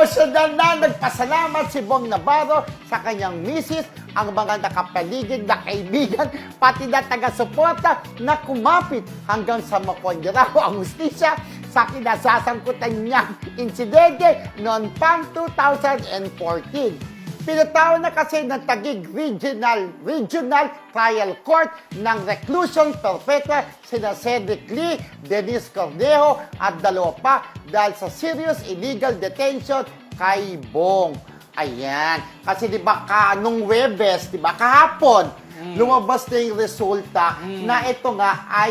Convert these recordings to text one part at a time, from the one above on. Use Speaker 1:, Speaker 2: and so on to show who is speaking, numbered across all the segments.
Speaker 1: Emosyonal na nagpasalamat si Bong Navarro sa kanyang misis, ang mga nakapaligid na kaibigan, pati na taga-suporta na kumapit hanggang sa makonyaraw ang hustisya sa kinasasangkutan niyang insidente noon pang 2014. Pinatawag na kasi ng Taguig Regional Trial Court ng reclusion perpetua sina Cedric Lee, Denise Cornejo at dalawa pa dahil sa serious illegal detention kay Bong. Ayan. Kasi di ba nung Webes, di ba kahapon, lumabas na yung resulta na ito nga ay,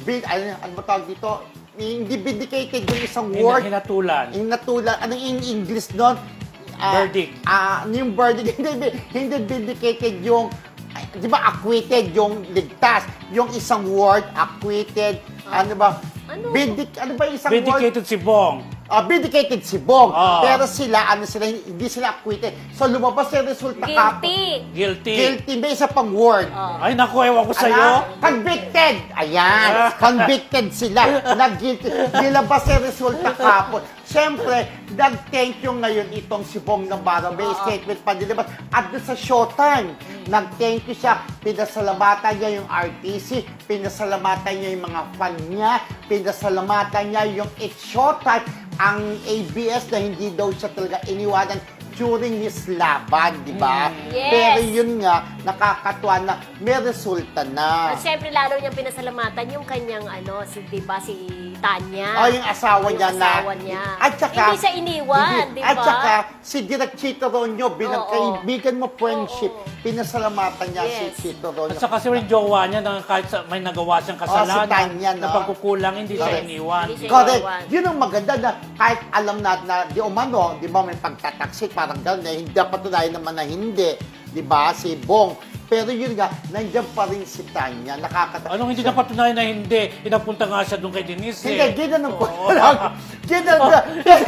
Speaker 1: ano ba tawag dito? Hindi vindicated yung isang word.
Speaker 2: Hinatulan.
Speaker 1: Anong in English nun?
Speaker 2: Verdict.
Speaker 1: Yung verdict, hindi vindicated yung, di ba, acquitted yung ligtas. Yung isang word, acquitted, ano ba?
Speaker 3: Ano?
Speaker 1: Ano ba yung isang word?
Speaker 2: Vindicated si Bong.
Speaker 1: Vindicated si Bong.
Speaker 2: Oh.
Speaker 1: Pero sila, hindi sila acquitted. So, lumabas yung resulta
Speaker 3: Guilty.
Speaker 2: Guilty.
Speaker 1: May isa pang word.
Speaker 2: Ay, naku, ewan ko sa'yo.
Speaker 1: Convicted! Ayan! Convicted sila. Nag-guilty. Nilabas yung resulta kapon. Siyempre, nag-thank you ngayon itong si Bong Navarro. May statement pa nilabas. At doon sa Showtime, nag-thank you siya. Pinasalamatan niya yung RTC. Pinasalamatan niya yung mga fan niya. Pinasalamatan niya yung It's Showtime. Ang ABS na hindi daw siya talaga iniwanan during his laban, di ba?
Speaker 3: Yes.
Speaker 1: Pero yun nga, nakakatuwa na may resulta na.
Speaker 3: At syempre, lalo niyang pinasalamatan yung kanyang, di ba, si Tanya.
Speaker 1: Oh, yung asawa niya
Speaker 3: yung asawa niya.
Speaker 1: At saka,
Speaker 3: hindi siya iniwan, di ba?
Speaker 1: At saka, si Direk Chito Ronyo, bilang
Speaker 3: Oo.
Speaker 1: kaibigan mo, friendship, pinasalamatan niya si
Speaker 3: Yes.
Speaker 1: Chito Ronyo.
Speaker 2: At saka si rin jowa niya, na kahit may nagawa siyang kasalanan,
Speaker 1: si Tanya, no?
Speaker 2: na pagkukulang, hindi siya
Speaker 1: Correct.
Speaker 2: iniwan.
Speaker 3: Hindi siya
Speaker 1: Correct.
Speaker 3: iniwan.
Speaker 1: Yun ang maganda na kahit alam natin na di umano, di ba may pagtataksik, parang gano'n, hindi patunayan naman na hindi, di ba, si Bong. Pero yun nga, nandiyan pa rin si Tanya, nakakatawa.
Speaker 2: Anong hindi napatunayan na hindi? Inapunta nga siya doon kay Denise.
Speaker 1: Hindi, ginanong ko
Speaker 2: Oo.
Speaker 1: lang. Ginanong.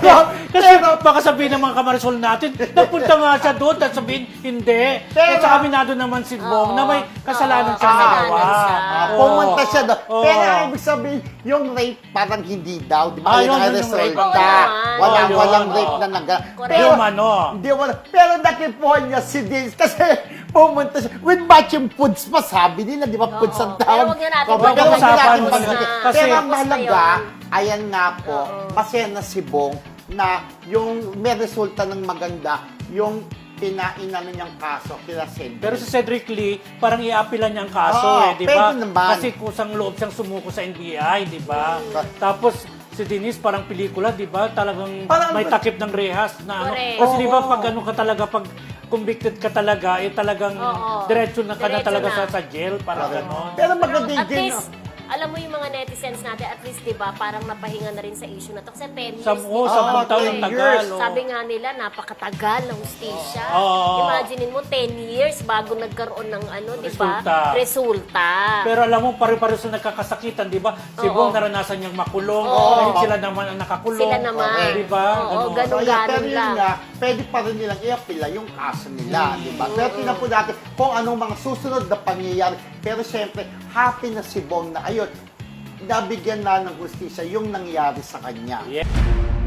Speaker 2: Kasi baka sabihin ng mga kamarisol natin, napunta nga siya doon, at sabihin, hindi.
Speaker 1: Pero-
Speaker 2: At saka aminado naman si Bong na may kasalanan siya
Speaker 3: kasalanan
Speaker 2: nagawa.
Speaker 3: siya.
Speaker 2: Oo.
Speaker 1: Pumunta siya doon.
Speaker 2: Oo.
Speaker 1: Pero ang ibig sabihin, yung rape parang hindi daw. Di ba?
Speaker 2: Ah,
Speaker 1: Yun ang
Speaker 2: yun yung rape.
Speaker 1: resulta.
Speaker 3: Oo naman.
Speaker 2: Oo,
Speaker 1: Walang
Speaker 2: yun.
Speaker 1: rape
Speaker 2: Oo.
Speaker 1: na nagawa.
Speaker 3: Correct.
Speaker 2: Yung ano.
Speaker 1: Hindi wala. Pero nakipuhan niya si Denise kasi pumunta siya. With matching foods pa, sabi nila. Di ba? Foods ang
Speaker 3: Pero
Speaker 1: tawag.
Speaker 3: wag na natin
Speaker 1: Wag na
Speaker 2: pag-usapan
Speaker 1: natin
Speaker 2: mo
Speaker 1: pag-usapan.
Speaker 2: na. Kasi-
Speaker 1: Pero ang
Speaker 3: Tapos na
Speaker 1: mahalaga,
Speaker 3: yun.
Speaker 1: ayan nga po,
Speaker 3: Oo.
Speaker 1: masaya na si Bong na yung may resulta ng maganda, yung pinainano niyang kaso kila Cedric.
Speaker 2: Pero si Cedric Lee, parang i-appealan niya ang kaso
Speaker 1: Oo,
Speaker 2: di ba?
Speaker 1: pwede naman.
Speaker 2: Kasi kusang loob siyang sumuko sa NBI, di ba? Tapos si Denise parang pelikula, di ba? Talagang
Speaker 1: Parang-
Speaker 2: may takip ng rehas na ano.
Speaker 3: Correct.
Speaker 2: Kasi di ba
Speaker 1: Oo.
Speaker 2: pag ano ka talaga, pag convicted ka talaga, talagang
Speaker 3: Oo.
Speaker 2: diretso na ka na
Speaker 3: Diretso
Speaker 2: talaga
Speaker 3: na.
Speaker 2: sa jail, parang gano'n.
Speaker 1: Pero maganda
Speaker 3: At
Speaker 1: din.
Speaker 3: least, alam mo yung mga netizens natin, at least, di ba, parang napahinga na rin sa issue na to. Kasi 10 years, di ba?
Speaker 2: 10 taon
Speaker 1: 10
Speaker 2: tagal.
Speaker 1: years.
Speaker 2: oh.
Speaker 3: Sabi nga nila, napakatagal ng hustisya.
Speaker 2: Oo.
Speaker 3: Imaginein mo, 10 years bago nagkaroon ng di ba?
Speaker 2: Resulta.
Speaker 3: Resulta.
Speaker 2: Pero alam mo, pare-pareho sa nagkakasakitan, di ba? Si
Speaker 3: Oo.
Speaker 2: Bong naranasan niyang makulong,
Speaker 3: Oo.
Speaker 2: ngayon sila naman ang nakakulong.
Speaker 3: Sila naman.
Speaker 2: Di ba?
Speaker 3: Oo,
Speaker 2: Ganun.
Speaker 3: ganun.
Speaker 1: So, yeah, pero
Speaker 3: Ganun
Speaker 1: yun
Speaker 3: lang.
Speaker 1: nga, pwede pa rin nilang i-apila yung kaso nila, di ba? Pero tingnan po natin kung anong mga susunod na pangyayari. Pero siyempre, happy na si Bong na ayun, nabigyan na ng hustisya yung nangyari sa kanya.
Speaker 2: Yeah.